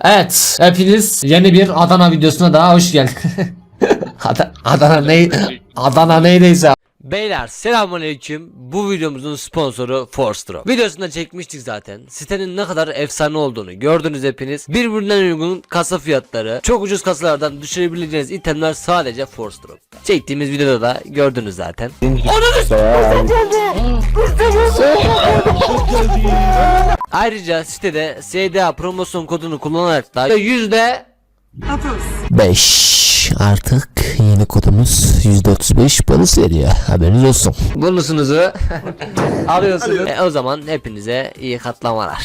Evet, hepiniz yeni bir Adana videosuna daha hoş geldiniz. Adana neydiyse. Beyler selamünaleyküm. Bu videomuzun sponsoru Forstro. Videosunda çekmiştik zaten. Sitenin ne kadar efsane olduğunu gördünüz hepiniz. Birbirinden uygun kasa fiyatları, çok ucuz kasalardan düşürebileceğiniz itemler sadece Forstro. Çektiğimiz videoda da gördünüz zaten. Ayrıca sitede SDA promosyon kodunu kullanarak da %5 artık yeni kodumuz %35 bonus veriyor. Haberiniz olsun. Bonusunuzu alıyorsunuz. O zaman hepinize iyi katlamalar.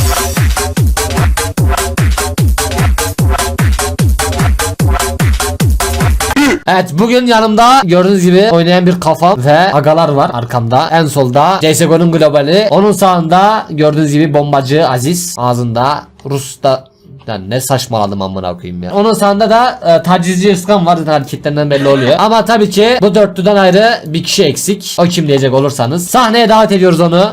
Evet, bugün yanımda gördüğünüz gibi oynayan bir kafa ve agalar var arkamda. En solda CSGO'nun globali. Onun sağında gördüğünüz gibi bombacı Aziz. Ağzında Rus'ta. Yani ne saçmaladım amına koyayım ya. Onun sağında da tacizci Özkan var, hareketlerinden belli oluyor. Ama tabii ki bu dörtlüden ayrı bir kişi eksik. O kim diyecek olursanız. Sahneye davet ediyoruz onu.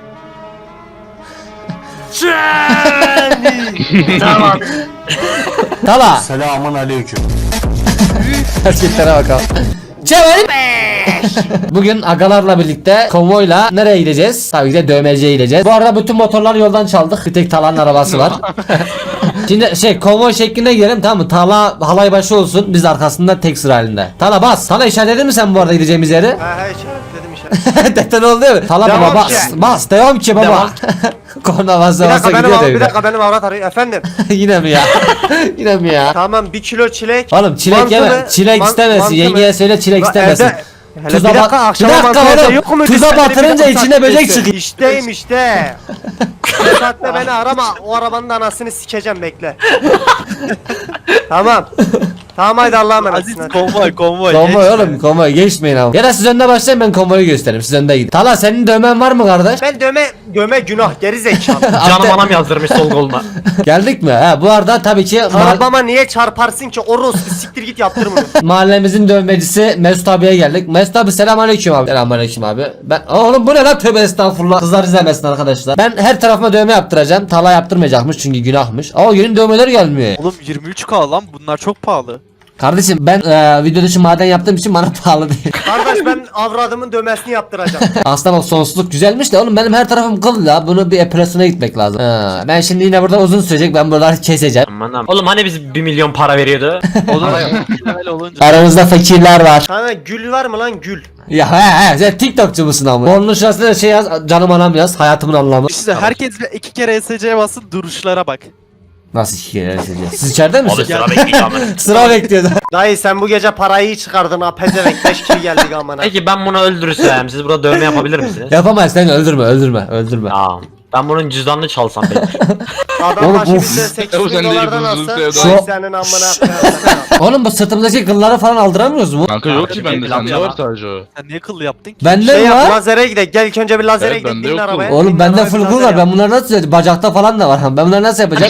Tamam. Tala. Selamun aleyküm. Hareketlere bakalım. Çevir. Bugün agalarla birlikte konvoyla nereye gideceğiz? Tabii ki de dövmeciye gideceğiz. Bu arada bütün motorları yoldan çaldık. Bir tek Tala'nın arabası var. Şimdi konvoy şeklinde gidelim, tamam mı? Tala halay başı olsun, biz arkasında tek sıra halinde. Tala bas. Tala işaretledin mi sen bu arada gideceğimiz yeri? He işaretledim işaretledim. Deten oldu değil mi? Tala Devam baba bas. ki. Bas. Devam ki baba. Korna basa basa gidiyor Bir evine. dakika benim avrat arıyor efendim. Yine mi ya? Yine mi ya? Tamam 1 kilo çilek. Oğlum çilek yeme. Çilek istemesin. Yengeye söyle çilek istemesin. Tuza Bir dakika akşama oğlum. yok mu? Tuza batırınca içine böcek çıkıyor. İşteyim işte. Bu saatte beni arama, o arabanın da anasını sikeceğim, bekle. Tamam. Tamam haydi Allah'a emanetsin. Aziz konvoy. Konvoy oğlum, konvoy geçmeyin ama. Ya da siz önde başlayın, ben konvoyu göstereyim, siz önde gidin. Tala senin dövmen var mı kardeş? Ben dövme günah, geri zekalı. Canım anam yazdırmış sol koluna. Geldik mi? Ha, bu arada tabii ki Arabama niye çarparsın ki? Orospu siktir git yaptır bunu. mahallemizin dövmecisi Mesut abiye geldik. Mesut abi selamünaleyküm abi. Selamünaleyküm abi. Ben oğlum bu ne lan, tövbe estağfurullah. Kızlar izlemesin arkadaşlar. Ben her tarafıma dövme yaptıracağım. Tala yaptırmayacakmış çünkü günahmış. Aa, yeni dövmeler gelmiyor. Oğlum 23K lan, bunlar çok pahalı. Kardeşim ben video dışı maden yaptığım için bana pahalı değil. Kardeş ben avradımın dövmesini yaptıracağım. Aslında bak sonsuzluk güzelmiş de oğlum benim her tarafım kıl ya. Bunu bir operasyona gitmek lazım. Ha, ben şimdi yine burada uzun sürecek, ben buraları keseceğim. Aman. Oğlum hani biz 1 milyon para veriyordu? Olur öyle olunca. Aramızda fakirler var. Sana gül var mı lan, gül? Ya he sen TikTokçu musun ama? Onun şurasında da şey yaz, canım anam yaz, hayatımın anlamı. İşte herkes 2 kere SC'ye bassın, duruşlara bak. Nasıl iki kere yazacağız? Siz içeride Abi misiniz? sıra bekliyor ama. Sıra bekliyordu. Dayı sen bu gece parayı iyi çıkardın ha, pezevenk 5 kişi geldik amına. Peki ben bunu öldürürsem siz burada dövme yapabilir misiniz? Yapamayız, sen öldürme. Ya ben bunun cüzdanını çalsam peki. Adam Oğlum, başı of. bize 8 Oğlum, bin sen de dolardan yıldızlı alsa sevda. vay Şu- senin amına. Oğlum bu sırtımdaki kılları falan aldıramıyoruz mu? Kanka yok ki Abi, bende, bir sende laf var ya. sadece o. Sen niye kıllı yaptın ki? Bende Şey mi yap, var? lazere gidelim. Gel ilk önce bir lazere Evet, gidelim. bende Binin yok arabaya. bu. Oğlum binin bende arabaya, full bir kıl lazer var, ben yap. bunları nasıl, bacakta falan da var. Ben bunları nasıl yapacağım?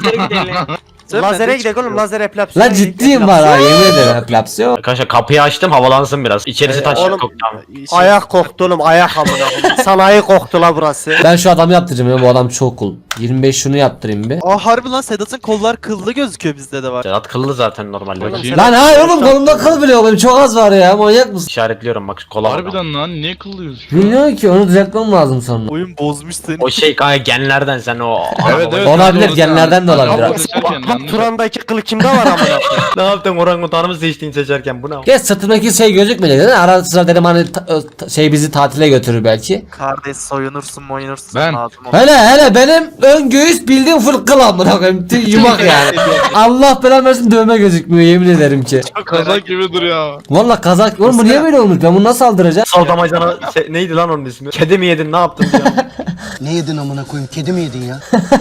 Lazere gidelim oğlum, lazer epilepsi. Lan ciddiyim var ha, yemin ederim epilepsi yok. Arkadaşlar kapıyı açtım havalansın biraz. İçerisi taş oğlum. koktu ama. Ayak koktu oğlum, ayak amına. Sanayi koktu la burası. Ben şu adamı yaptıracağım ya, bu adam çok cool. 25 şunu yaptırayım bir. Aa harbi lan, Sedat'ın kollar kıllı gözüküyor, bizde de var. Sedat kıllı zaten normalde. Bakayım. Lan hayır oğlum, kolumda kıl bile yok, benim çok az var ya, manyak mısın? İşaretliyorum bak kola var. Harbiden lan, niye kılıyorsun? Bilmiyorum ki, onu düzeltmem lazım sonra. Oyun bozmuş seni. O şey kanka genlerden sen o. Evet evet. Olabilir, doğru genlerden de sen. olabilir. Ama seçerken yanlış. Turan'daki kılı kimde var amına? Ne yaptın orangutanı mı seçtin seçerken bu ne? Geç sırtımdaki şey gözükmeyecek değil mi? Ara sıra dedim hani şey bizi tatile götürür belki. Kardeş soyunursun Ben- lazım Hele benim ön göğüs bildiğin full kıl amına koyayım. Yumak yani. Allah belanı versin, dövme gözükmüyor yemin ederim ki. Kazak gibi duruyor. Valla kazak. Oğlum bu niye böyle olmuş? Ben bunu nasıl aldıracağım? Saldamacana neydi lan onun ismi? Kedi mi yedin ne yaptın ya? Ne yedin amına koyayım? Kedi mi yedin ya?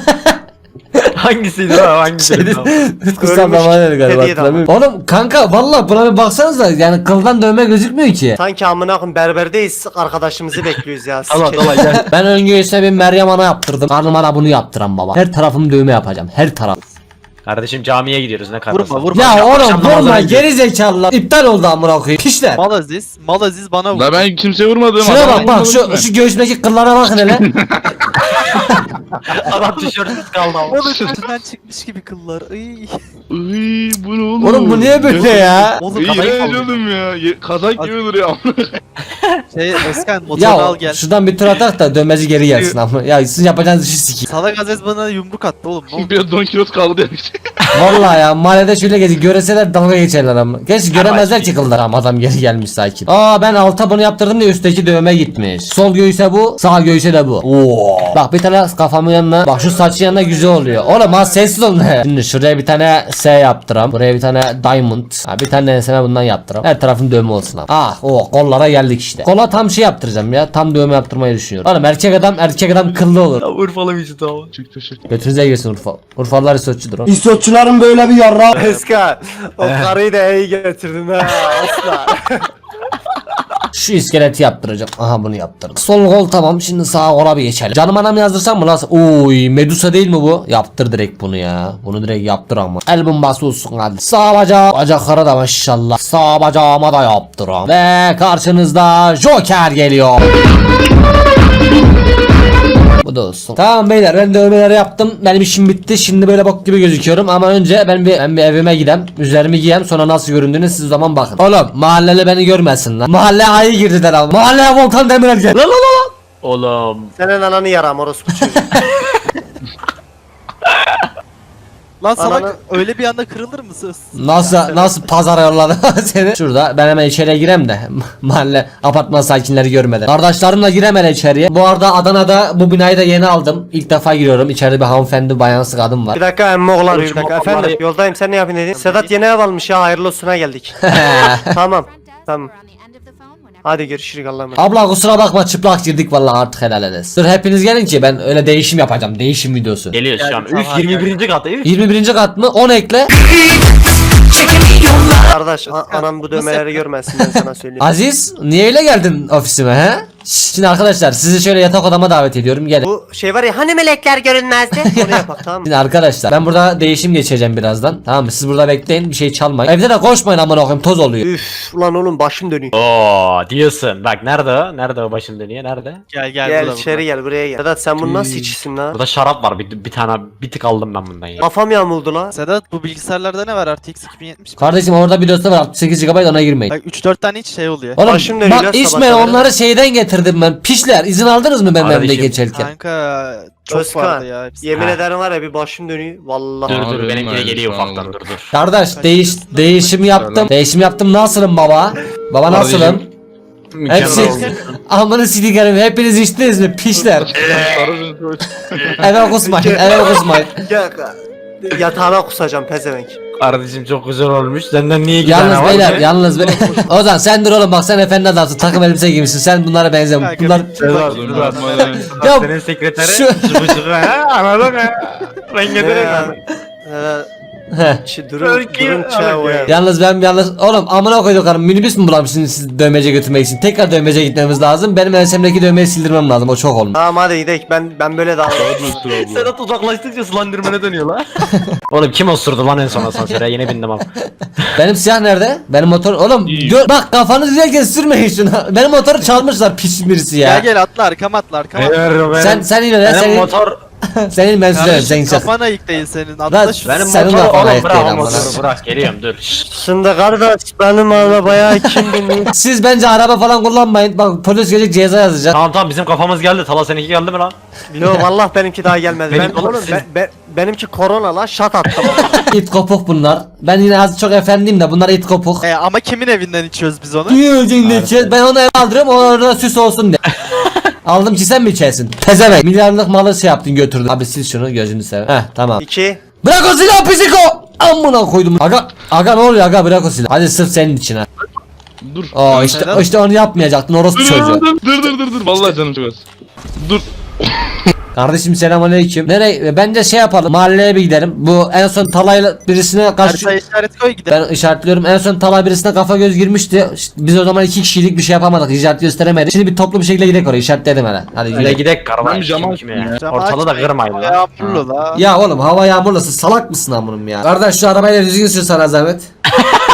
Hangisiydi lan hangisiydi? Kutsal damarları galiba. kediye de hatırlamıyorum. Oğlum kanka valla buna bir baksanıza, yani kıldan dövme gözükmüyor ki. Sanki amına koyayım berberdeyiz, arkadaşımızı bekliyoruz ya. Allah Sikerim. Allah gel. Ben ön göğüsüne bir Meryem Ana yaptırdım. Karnıma da bunu yaptıran baba. Her tarafımı dövme yapacağım. Her taraf. Kardeşim camiye gidiyoruz ne kadar. Vurma. Ya oğlum akşam vurma, namazına geri zekalılar. İptal oldu amına koyayım. Pişler. Mal Aziz bana vur. La ben kimseye vurmadım. Şuna adam bak bak vurmadı mı? şu göğsümdeki kıllara bakın hele. Adam tişörtsüz kaldı ama. Oğlum üstünden çıkmış gibi kıllar. Iy. Iy, bu ne oğlum? Oğlum bu niye böyle ya? Oğlum İğrenç oğlum ya. Kazak gibi duruyor. Özkan motorunu Ya al gel. şuradan bir tur atak da dönmeci geri gelsin ama. Ya sizin yapacağınız işi sikeyim. Salak Aziz bana yumruk attı oğlum. Ne oldu? Bir Don Kilos kaldı demiş. Vallahi ya mahallede şöyle geziyor. Göreseler dalga geçerler ama. Gerçi göremezler ki kıllar ama adam geri gelmiş sakin. Aa ben alta bunu yaptırdım diye üstteki dövme gitmiş. Sol göğüse bu, sağ göğüse de bu. Oo. Bak bir tane kafamın yanına. Bak şu saçın yanına güzel oluyor. Oğlum az sessiz olun. Şimdi şuraya bir tane S yaptıram. Buraya bir tane diamond. Ha, bir tane enseme bundan yaptıram. Her tarafın dövme olsun abi. Ah o kollara geldik işte. Kola tam şey yaptıracağım ya. Tam dövme yaptırmayı düşünüyorum. Oğlum erkek adam kıllı olur. Urfalı bir tamam. Çık teşekkür. Götünüze girsin Urfa. Urfalılar İsotçudur o. İstotçuların böyle bir yarra. Eska o karıyı da iyi getirdin ha asla. Şu iskeleti yaptıracağım. Aha bunu yaptırdım. Sol kol tamam. Şimdi sağ kola bir geçelim. Canım anam yazdırsam mı lan? Oy Medusa değil mi bu? Yaptır direkt bunu ya. Bunu direkt yaptır ama. El bombası olsun hadi. Sağ bacağı. Bacaklara da maşallah. Sağ bacağıma da yaptıram. Ve karşınızda Joker geliyor. Bu da olsun. Tamam beyler ben dövmeleri yaptım. Benim işim bitti. Şimdi böyle bok gibi gözüküyorum ama önce ben bir evime gidem. Üzerimi giyem sonra nasıl göründüğünü siz o zaman bakın. Oğlum mahalleli beni görmesin lan. Mahalle ayı girdiler ama. Mahalleye Volkan Demirel gel. Lan lan lan. Oğlum. Senin ananı yaram orospu çocuğu. Lan salak Ananı- öyle bir anda kırılır mı söz? Nasıl pazara yolladı seni? Şurada ben hemen içeriye girem de mahalle apartman sakinleri görmeden. Kardeşlerimle girem hele içeriye. Bu arada Adana'da bu binayı da yeni aldım. İlk defa giriyorum. İçeride bir hanımefendi bayansı kadın var. Bir dakika emmi oğlan bir dakika. Konuşma, Efendim vallahi- yoldayım sen ne yapıyorsun dedin? Sedat yeni ev almış ya hayırlı olsuna geldik. Tamam. Tamam. Hadi görüşürüz Allah'a emanet. Abla kusura bakma çıplak girdik vallahi artık helal ederiz. Dur hepiniz gelin ki ben öyle değişim yapacağım. Değişim videosu. Geliyor şu an. Üf 21. kat. Üf. 21. kat mı? 10 ekle. Kardeş anam bu dövmeleri görmesin ben sana söyleyeyim. Aziz niye öyle geldin ofisime he? Şimdi arkadaşlar sizi şöyle yatak odama davet ediyorum gelin. Bu şey var ya hani melekler görünmezdi. Onu yapak tamam mı? Şimdi arkadaşlar ben burada değişim geçeceğim birazdan. Tamam mı? Siz burada bekleyin bir şey çalmayın. Evde de koşmayın aman okuyayım toz oluyor. Üf ulan oğlum başım dönüyor. Oo diyorsun. Bak nerede o? Nerede o başın dönüyor? Nerede? Gel Gel burada, içeri gel buraya gel. Sedat sen bunu nasıl içisin lan? Burada şarap var. Bir tane bir tık aldım ben bundan ya. Kafam yamuldu la. Sedat bu bilgisayarlarda ne var RTX 2070? Kardeşim orada bir dosya var 68 GB ona girmeyin. Bak 3-4 tane hiç şey oluyor. Oğlum Başım dönüyor lan bak İsmail sabahtan beri. onları şeyden getirdim ben. Pişler izin aldınız mı benim evde Kardeşim, geçerken? Kanka çok Özkan vardı ya hepsi. yemin Ha. ederim var ya bir başım dönüyor. Vallahi. Dur dur Abi, benimki de benim geliyor aynısı ufaktan oldu. dur dur. Kardeş değişim yaptım. Değişim yaptım nasılım baba? Baba nasılım? Kardeşim, Hepsi Mükemmel oldu. amını sidikerim hepiniz içtiniz mi pişler? Eve kusmayın eve kusmayın. Ya, yatağına kusacağım pezevenk. Kardeşim çok güzel olmuş. Senden niye iki tane Yalnız var? beyler yalnız beyler. Ozan sen dur oğlum bak sen efendi adamsın takım elbise giymişsin sen bunlara benzemiyorsun. Bunlar Ya, Senin sekreteri şu- şıkı şıkı ha anladın ha. Renge direkt anladın. Heh. Durun çağı ya. Yalnız oğlum amına koyduk hanım minibüs mü bulamışsınız siz dövmece götürmek için tekrar dövmece gitmemiz lazım benim ensemdeki dövmeyi sildirmem lazım o çok olmuş. Tamam hadi gidelim ben böyle davranıyorum. Sedat uzaklaştıkça slenderman'e dönüyorlar. Oğlum kim osurdu lan en son asansöre yeni bindim abi. Benim siyah nerede? Benim motor oğlum bak kafanızı güzelken sürmeyin şunu. Benim motoru çalmışlar pis birisi ya. Gel atla arkama atla arkama. Sen yine de Benim sen motor senin ben sürerim sen Kardeşim gideceksin. kafan ayık değil senin. Lan, Atla şu. benim Senin motoru kafana oğlum ayıp bırak değil o amına. motoru bırak geliyorum dur. Şimdi kardeş benim arabaya kim biniyor? Siz bence araba falan kullanmayın. Bak polis gelecek ceza yazacak. Tamam bizim kafamız geldi. Tala seninki geldi mi lan? Yo vallahi benimki daha gelmedi. Benim Ben, oğlum, benimki korona la şat attım. İt kopuk bunlar. Ben yine az çok efendiyim de bunlar it kopuk. Ama kimin evinden içiyoruz biz onu? Ben onu eve aldırıyorum o orada süs olsun diye. Aldım ki sen mi içersin? Pezevenk. Milyarlık malı şey yaptın götürdün. Abi sil şunu gözünü sev. Heh tamam. 2 Bırak o silahı psiko. Amına koydum. Aga ne oluyor aga bırak o silahı. Hadi sırf senin için ha. Dur. Oo işte onu yapmayacaktın orospu çocuğu. Dur. Vallahi canım çok az. Dur. Kardeşim selamünaleyküm. Nereye? Bence şey yapalım. Mahalleye bir gidelim. Bu en son talayla birisine karşı Haritaya işaret koy gidelim. ben işaretliyorum. En son talay birisine kafa göz girmişti. İşte biz o zaman 2 kişilik bir şey yapamadık. İşaret gösteremedik. Şimdi bir toplu bir şekilde gidelim oraya. İşaretledim hele. Hadi Öyle gidelim. gidek karma. Ben cam Kim ya? Camı Ortalığı da açmayın, kırmayın lan. Yağmurlu la. Ya oğlum hava yağmurlusu salak mısın amınım ya? Kardeş şu arabayla düzgün sür sana zahmet.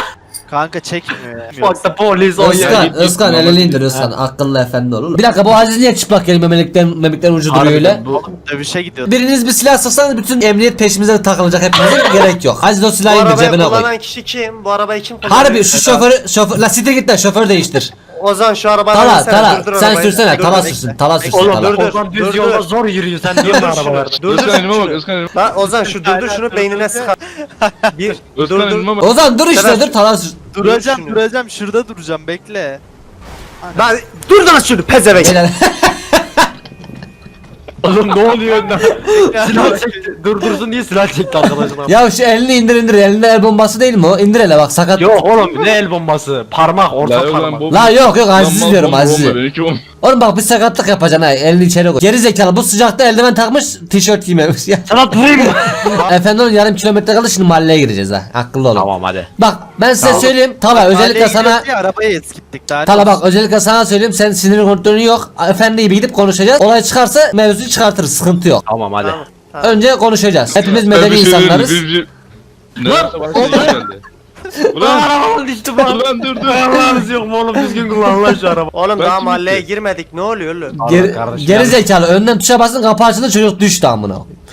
Kanka çekmiyor ya. Bak da polis Özkan, Özkan elini indir Özkan. Akıllı efendi ol. Bir dakika bu Aziz niye çıplak geliyor memekten ucu duruyor öyle? Dövüşe gidiyor. Biriniz bir silah sıksanız bütün emniyet peşimize takılacak hepimizin gerek yok. Aziz o Bu silahı indir arabayı cebine koy. kullanan kişi kim? Bu arabayı kim kullanıyor? Harbi şu şoför la site git de şoför değiştir. Ozan şu arabayı Tala versene, tala durdur sen arabayı. sürsene Dur, tala dur, sürsün bekle. tala sürsün Oğlum, tala. dur, dur. Ozan düz Dur, yolda dur. zor yürüyor sen niye Durdur araba şunu. verdin? Durdur Özkan elime bak şunu. Özkan elime. Lan Ozan şu durdur şunu beynine sıkar. Bir Özkan dur dur. elime bak. Ozan dur işte Sever. dur tala sür. Duracağım şunu. duracağım şurada duracağım bekle. Lan dur lan şunu pezevenk. Beyler, Oğlum ne oluyor önden? Silah çekti. Durdursun diye silah çekti arkadaşına. ya şu elini indir elinde el bombası değil mi o? İndir hele bak sakat. Yok oğlum ne el bombası? Parmak orta La yok lan parmak. bomba. La yok Lan Aziz mal diyorum bomba, Aziz'i. bomba, benimki bomba. Oğlum bak bir sakatlık yapacaksın ha elini içeri koy. Geri zekalı bu sıcakta eldiven takmış tişört giymemiş ya. Sana vurayım mı? Efendim oğlum yarım kilometre kaldı şimdi mahalleye gireceğiz ha. Akıllı olun. Tamam hadi. Bak ben size Tamam. söyleyeyim. Tala özellikle Mahalleye sana. gidiyoruz diye arabayı eskittik daha. Tala bak özellikle sana söyleyeyim sen sinir kontrolün yok. Efendi gibi gidip konuşacağız. Olay çıkarsa mevzuyu çıkartırız sıkıntı yok. Tamam hadi. Tamam. Önce konuşacağız. Hepimiz Ben medeni bir şey diyeyim mi? insanlarız. Neredeyse başka şey geldi. Ulan Arabanın düştü bak. ulan dur. Ayağınız yok mu oğlum düzgün kullan lan şu araba. Oğlum Ben daha kim mahalleye gitti? girmedik ne oluyor oğlum? Geri, kardeşim, geri yani. zekalı önden tuşa basın kapı açıldı çocuk düştü amına.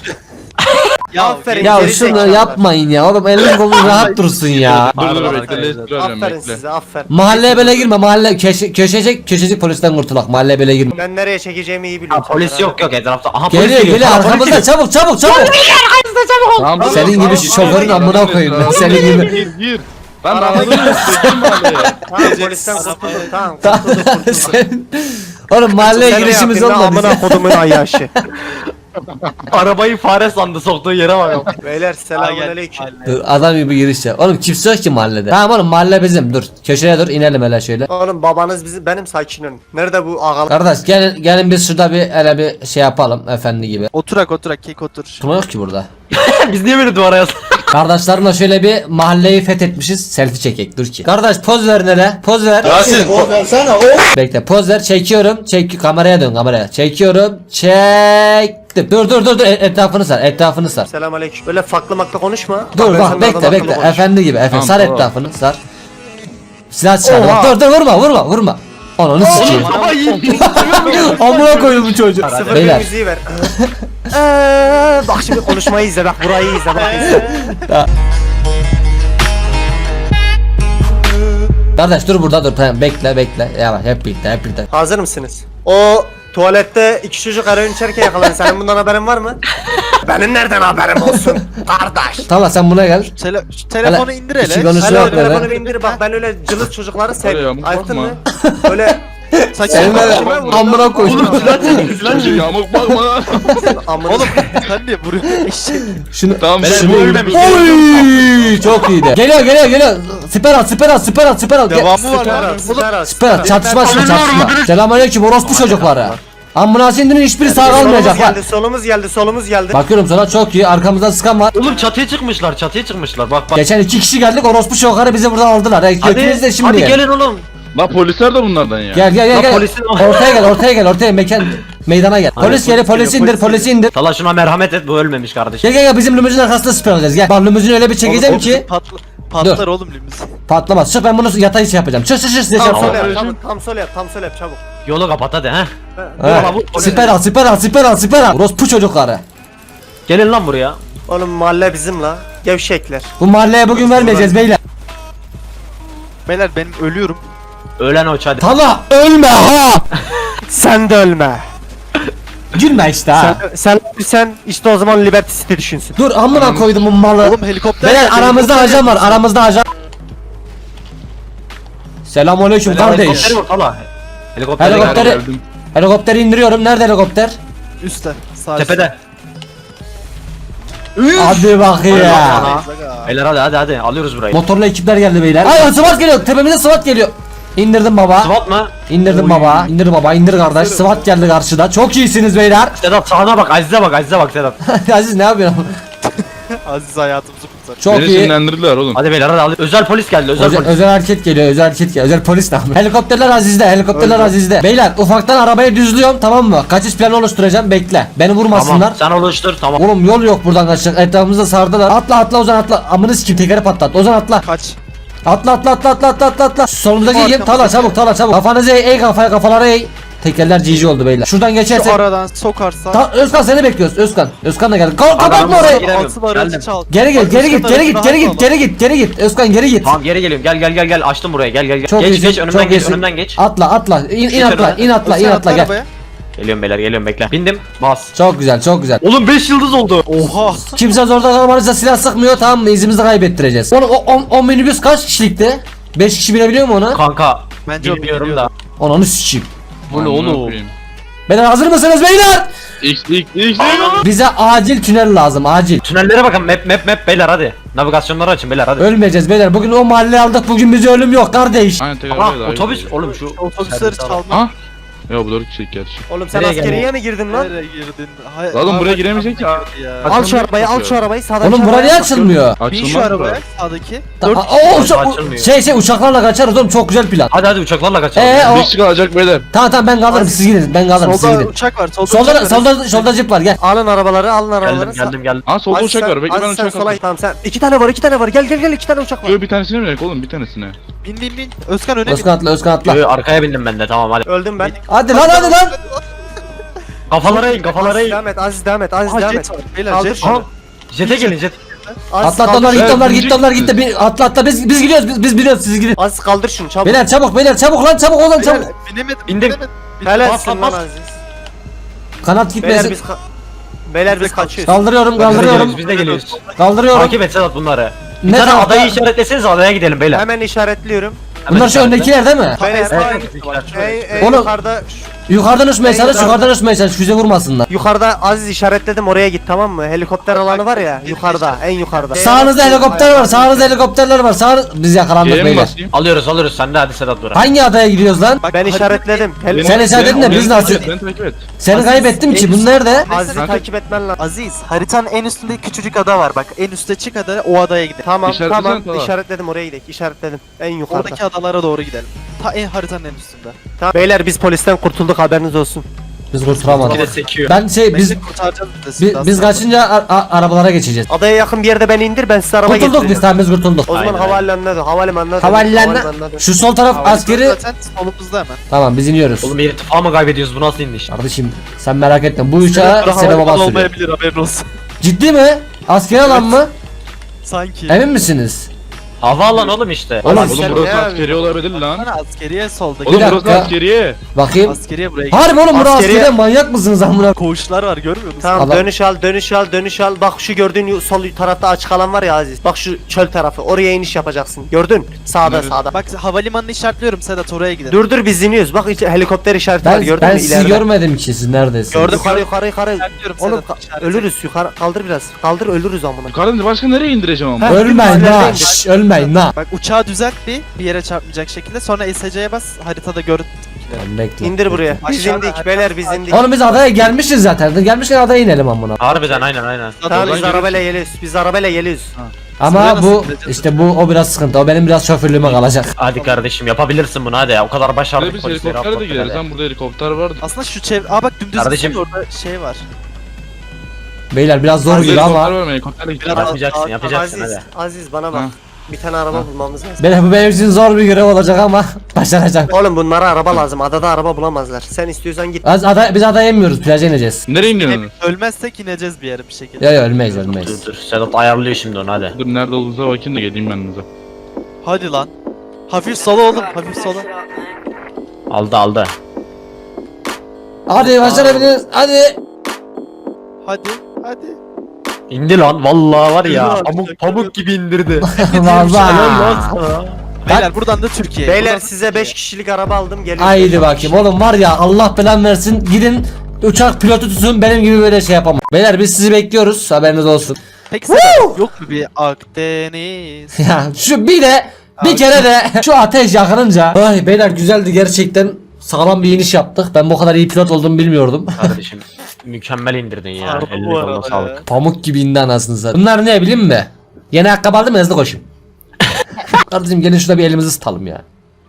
Ya Aferin. Ya geri şunu zekalılar. yapmayın ya oğlum elin kolun rahat dursun ya. Dur dur Pardon bekle arkadaşlar. değiştireceğim Aferin bekle. size aferin. Mahalleye böyle girme mahalle köşecek polisten kurtulak mahalleye böyle girme. Ben nereye çekeceğimi iyi biliyorum. Polis yok yok etrafta. Aha Geliyor polis geliyor Aha, polis arkamızda çabuk çabuk çabuk. Tamam, dur, Senin tamam, gibi gir, şoförün gir, amına gir, koyayım ben, gir, senin gir, gibi. Gir. Ben de anladım ya. Gir mahalleye. Tamam polisten kurtuldum tamam. Sen- Oğlum mahalleye Sen ne girişimiz yaptın lan, olmadı. amına kodumun ayyaşı. Arabayı fare sandı soktuğu yere bak. Beyler selamünaleyküm. Dur adam gibi giriş yap. Oğlum kimse yok ki mahallede. Tamam oğlum mahalle bizim dur. Köşeye dur inelim hele şöyle. Oğlum babanız bizim benim sakin olun. Nerede bu ağalar? Kardeş gelin biz şurada bir hele bir şey yapalım efendi gibi. oturak kek otur. Tutma yok ki burada. Biz niye böyle duvara yazdık? Kardeşlerimle şöyle bir mahalleyi fethetmişiz. Selfie çekek dur ki. Kardeş poz ver hele. Poz ver. Bekle poz ver çekiyorum. Kameraya dön kameraya. Çekiyorum. Çektim. Dur etrafını sar. Etrafını sar. Selamünaleyküm. Böyle farklı makla konuşma. Dur Ben bak seninle bekle adam bekle. akıllı konuş. Efendi gibi. Efendi Tamam, sar tamam. etrafını sar. Silah çıkar. Bak, dur vurma. Ananı sikeyim. Amına koydum bu çocuğu. Sıfır bir Beyler. müziği ver. Bak şimdi konuşmayı izle bak burayı izle bak izle. Kardeş dur burada dur. Tamam bekle. Yavaş hep birlikte. Hazır mısınız? O tuvalette iki çocuk eroin içerken yakalandı. Senin bundan haberin var mı? Benim nereden haberim olsun kardeş? Tamam sen buna gel. Şu telefonu Hele, indir iki hele. konuş- Hele yok o telefonu böyle. bir indir bak ben öyle cılız çocukları Öyle seviyorum. yamuk Ayıktın bakma. mı? Öyle Senin Bakma. amına koydum. Çocuğu yamuk bakma. amına. Oğlum sen niye vuruyorsun eşek? Şunu Tamam şunu ölmemiş. Oy çok iyiydi. Geliyor. Siper al. Devamı var lan. Siper al. Çatışma. Selamünaleyküm orospu çocukları. Ambulans indirin hiçbiri sağ Solumuz kalmayacak bak. geldi, solumuz geldi. Bakıyorum sana çok iyi. Arkamızdan sıkan var. Oğlum çatıya çıkmışlar. Bak. Geçen 2 kişi geldik orospu çocukları bizi buradan aldılar. Götünüz de şimdi. hadi gel. gelin oğlum. La polisler de bunlardan ya. Gel. Lan polisin- Ortaya gel. Meydana gel. Polis geliyor. Polisi indir. Tala şuna merhamet et bu ölmemiş kardeşim. Gel bizim limuzin arkasında siper alacağız. Gel. Bak limuzini öyle bir çekeceğim ki Patlar oğlum limuzin. patlamaz. Çık ben bunu yatay şey yapacağım. Çık size Tam şey sol yapacağım. yap, tam sol yap çabuk. Yolu kapat hadi ha. Ha. Siper al. Orospu çocukları. Gelin lan buraya. Oğlum mahalle bizim la. Gevşekler. Bu mahalleye bugün vermeyeceğiz beyler. Beyler benim ölüyorum. Ölen oç hadi. Tala ölme ha. Sen de ölme. Gülme işte ha. Sen işte o zaman Liberty City düşünsün. Dur amına koydum bu malı. Oğlum helikopter. Beyler geldi, aramızda helikopter ajan var. geldi. Aramızda ajan. Selamünaleyküm kardeş. Helikopteri vur Tala. Helikopteri Helikopteri- Geldim. Helikopteri indiriyorum. Nerede helikopter? Üstte. Sağ tepede. Hadi bakayım ya. Aga. Beyler hadi alıyoruz burayı. Motorlu ekipler geldi beyler. Ay SWAT geliyor. Tepemize SWAT geliyor. İndirdim baba. SWAT mı? İndirdim baba. İndir kardeş. SWAT geldi karşıda. Çok iyisiniz beyler. Sedat sağına bak Aziz'e bak Sedat. Aziz ne yapıyorsun? Aziz hayatımızı kurtar. Çok Beni iyi. Hadi sinirlendirdiler oğlum. beyler hadi özel polis geldi Özel hareket geliyor. Özel polis ne yapıyor? Helikopterler Aziz'de. Beyler ufaktan arabayı düzlüyorum tamam mı? Kaçış planı oluşturacağım bekle. Beni vurmasınlar. Tamam sen oluştur tamam. Oğlum yol yok buradan kaçacak. Etrafımızda sardılar. Atla Ozan atla. Amını sikeyim tekeri patlat. Ozan atla. Kaç. Atla atla atla atla atla atla atla. Solumuzdaki Arkamızdaki- yem tala çabuk tala çabuk. Kafanızı eğ kafaya kafaları eğ. Tekerler GG oldu beyler. Şuradan geçerse. Şu aradan sokarsa. Özkan seni bekliyoruz Özkan. Özkan da geldi. Kapatma Adamın orayı. giremiyorum. Altı aracı Geldim. çal. Geri git geri git Özkan geri git aracını geri git alma. geri git geri git. Özkan geri git. Tamam geri geliyorum. Gel açtım buraya. Gel. Çok geç iyisin, geç önümden çok geç iyisin. önümden geç. Atla atla. İn Geç atla önüne. in atla in Özkan atla atla gel. arabaya. Geliyorum beyler geliyorum bekle. Bindim. Bas. Çok güzel çok güzel. Oğlum 5 yıldız oldu. Oha. Kimse zorda kalmanızda silah sıkmıyor tamam mı? İzimizi kaybettireceğiz. Oğlum o minibüs kaç kişilikti? 5 kişi binebiliyor mu ona? Kanka Bence bilmiyorum da. Onu sikeyim. Bu ne oğlum? Beyler hazır mısınız beyler? X. Bize acil tünel lazım acil. Tünellere bakın map beyler hadi. Navigasyonları açın beyler hadi. Ölmeyeceğiz beyler. Bugün o mahalleyi aldık. Bugün bize ölüm yok kardeş. Aynen tekrar Aha böyle otobüs oğlum şu. Otobüsleri çalma. Ha? Ya bu 4 kişilik gerçi. Oğlum sen Nereye askeriye mi girdin lan? Nereye girdin? Oğlum buraya giremeyecek ya. Al şu arabayı al şu arabayı sağdaki Oğlum bura niye açılmıyor? Bin şu arabaya sağdaki. Açılmıyor. Şey uçaklarla kaçarız oğlum çok güzel plan. Hadi uçaklarla kaçalım. O- Bir kişi kalacak beyler. Tamam ben kalırım siz gidin ben kalırım siz Solda gidin. uçak var. Solda uçak Solda var. solda jip var gel. Alın arabaları alın arabaları. Geldim. Ha solda Aziz uçak sen- var. Bekle ben Aziz sen uçak sola alayım. Tamam sen 2 tane var gel 2 tane uçak var. Yo bir tanesine mi oğlum bir tanesine. Bin. Özkan öne bin. Özkan atla. Arkaya bindim ben de tamam hadi. Öldüm ben. Hadi lan. Kafalara in. Devam et Aziz devam et Aziz Aha devam et. jet var. Beyler Kaldır jet var. şunu. Jete gelin jet. Aziz Atla onlar kaldır. gitti onlar Evet, gitti onlar binecek gitti. Atla biz gidiyoruz biz biliyoruz siz gidin. Aziz kaldır şunu çabuk. Beyler çabuk lan çabuk olun çabuk. Binemedim. Bindim. Helalsin lan bas. Aziz. Kanat Beyler gitmesin. Beyler biz kaçıyoruz. Kaldırıyorum. Biz de geliyoruz. Kaldırıyorum. Takip et Sedat bunları. Bir Ne tane tarafta? adayı işaretleseniz adaya gidelim beyler. Hemen işaretliyorum. Bunlar şu öndekiler değil mi? Beyler en Oğlum. yukarıda Yukarıdan uçmaya çalış füze vurmasınlar. yukarıda Aziz işaretledim oraya git tamam mı? Helikopter alanı var ya yukarıda en yukarıda. Sağınızda helikopter var sağınızda helikopterler var biz yakalandık G'ye mi beyler. basayım? Alıyoruz sen de hadi Sedat bırak. Hangi adaya gidiyoruz lan? Ben işaretledim. Sen işaretledin de biz nasıl? Beni takip et. Seni kaybettim ki bu nerede? Aziz'i Kanka- takip etmen lazım. Aziz haritanın en üstünde küçücük ada var bak en üstte çık ada o adaya gidelim. Tamam İşaretlesene tamam tamam. işaretledim oraya gidelim işaretledim en yukarıda. Oradaki adalara doğru gidelim. Haritanın en üstünde. Tamam. Beyler biz polisten kurtulduk haberiniz olsun. Biz Bir de kurtulamadık. sekiyor. Biz kurtaracağız Biz kaçınca arabalara geçeceğiz. Adaya yakın bir yerde beni indir ben size araba Kurtulduk biz getireceğim. tamam biz kurtulduk. O zaman Aynen. havalimanına dön havalimanına dön. Havalimanına şu sol taraf askeri. Zaten solumuzda hemen. Tamam biz iniyoruz. Oğlum irtifa mı kaybediyoruz bu nasıl iniş? Kardeşim sen merak etme bu uçağı Sebe baba sürüyor. olmayabilir haberin olsun. Ciddi mi? Askeri alan mı? Sanki. Emin misiniz? Havaalanı oğlum işte. Oğlum, Oğlum sen burası ne askeri olabilir lan. Bana askeriye soldaki. Oğlum Bir burası dakika. askeriye. Bakayım. Askeriye buraya gidelim. Harbi oğlum burası Askeriye- askeri manyak mısınız amına? Koğuşlar var görmüyor musun? Tamam Adam- dönüş al. Bak şu gördüğün sol tarafta açık alan var ya Aziz. Bak şu çöl tarafı oraya iniş yapacaksın. Gördün? Sağda Nerede? sağda. Bak havalimanını işaretliyorum Sedat oraya gidelim. Dur biz iniyoruz. Bak helikopter işareti var gördün Ben mü sizi ileride? görmedim ki siz neredesiniz? Gördüm. Yukarı. İşaretliyorum Oğlum Sedat, işaret. ölürüz yukarı kaldır biraz. Kaldır ölürüz amına. Yukarıdan başka nereye indireceğim ama? Ha. Ölmeyin Ileride ha. indir. şşş, Ölmeyin ha. Bak uçağı düzelt bir yere çarpmayacak şekilde sonra SC'ye bas haritada gör. Tamam, bekle. İndir buraya. Biz Aşağıda, indik beyler biz indik. Oğlum biz adaya gelmişiz zaten. Gelmişken adaya inelim amına. Harbiden aynen. Tamam biz Oradan arabayla geliyoruz. Biz arabayla geliyoruz. Ama Sıraya nasıl bu gideceğiz? işte o biraz sıkıntı. O benim biraz şoförlüğüme kalacak. Hadi kardeşim yapabilirsin bunu hadi ya. O kadar Buraya başardık biz polisleri helikopterle de atlattık gideriz hadi. lan burada helikopter vardı. Aslında şu bak dümdüz Kardeşim- gitsin, orada şey var. Beyler biraz zor Burada gibi helikopter ama. var mı? Helikopterle gidelim. Biraz- Yapacaksın Aziz, hadi. Aziz bana bak. Ha. Bir tane araba bulmamız lazım. Beyler bu benim için zor bir görev olacak ama başaracağım. Oğlum bunlara araba lazım. Adada araba bulamazlar. Sen istiyorsan git. Biz adaya inmiyoruz. Plaja ineceğiz. Nereye iniyorsun? Ölmezsek ineceğiz bir yere bir şekilde. Yok ölmeyiz. Dur Sedat ayarlıyor şimdi onu hadi. Dur nerede olduğunuza bakayım da geleyim ben size. Hadi lan. Hafif sola oğlum hafif sola. Aldı. Hadi başarabiliriz. Hadi. Hadi. İndi lan vallahi var ya. Yürü Pamuk gibi indirdi. Vallahi. Beyler buradan da Türkiye. Beyler Buradan size Türkiye. 5 kişilik araba aldım. Geliyorum. Haydi bakayım oğlum var ya Allah belanı versin. Gidin uçak pilotu tutun benim gibi böyle şey yapamam. Beyler biz sizi bekliyoruz haberiniz olsun. Peki Sedat yok mu bir Akdeniz? Ya şu bir kere de şu ateş yakınınca. Ay beyler güzeldi gerçekten. Sağlam bir iniş yaptık. Ben bu kadar iyi pilot olduğumu bilmiyordum. Kardeşim mükemmel indirdin ya. Harbi Eline bu koluna arada sağlık. ya. Pamuk gibi indi anasını satayım. Bunlar ne bileyim mi? Yeni ayakkabı aldım hızlı koşayım. Kardeşim gelin şurada bir elimizi ısıtalım ya.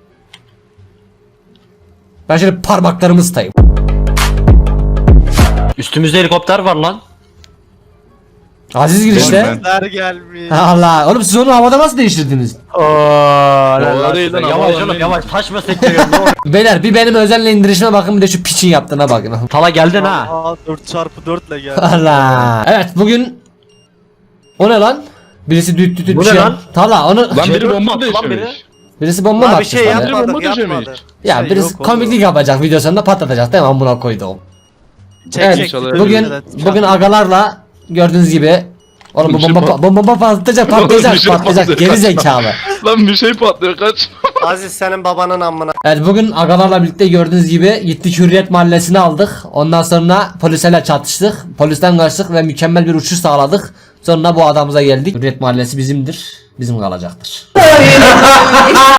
Ben şöyle parmaklarımı ısıtayım. Üstümüzde helikopter var lan. Aziz girişte. Gözler gelmiş. Allah oğlum siz onu havada nasıl değiştirdiniz? Havada değil lan, Yavaş havada oğlum değil. yavaş taş mı sektiriyorsun ne oluyor? Beyler bir benim özel indirişime bakın bir de şu piçin yaptığına bakın. Tala geldin ha. Aa 4x4 ile geldi. Allah. Evet bugün o ne lan? Birisi düt düt düt Bu bir ne şey. lan? Tala onu Lan biri bomba Lan atmış biri. demiş. birisi bomba mı Abi atmış şey bana? yapmadık Bomba döşemiş. yapmadık. Ya Şey birisi yok oğlum. komiklik yapacak video sonunda patlatacak değil mi amına koydum. Evet, İnşallah bugün bugün agalarla gördüğünüz gibi oğlum bu Bir şey bomba patlayacak Bir şey patlayacak geri zekalı. Lan bir şey patlıyor kaç. Aziz senin babanın amına. Evet bugün agalarla birlikte gördüğünüz gibi gittik Hürriyet Mahallesi'ni aldık. Ondan sonra polislerle çatıştık. Polisten kaçtık ve mükemmel bir uçuş sağladık. Sonra bu adamıza geldik. Hürriyet Mahallesi bizimdir. Bizim kalacaktır.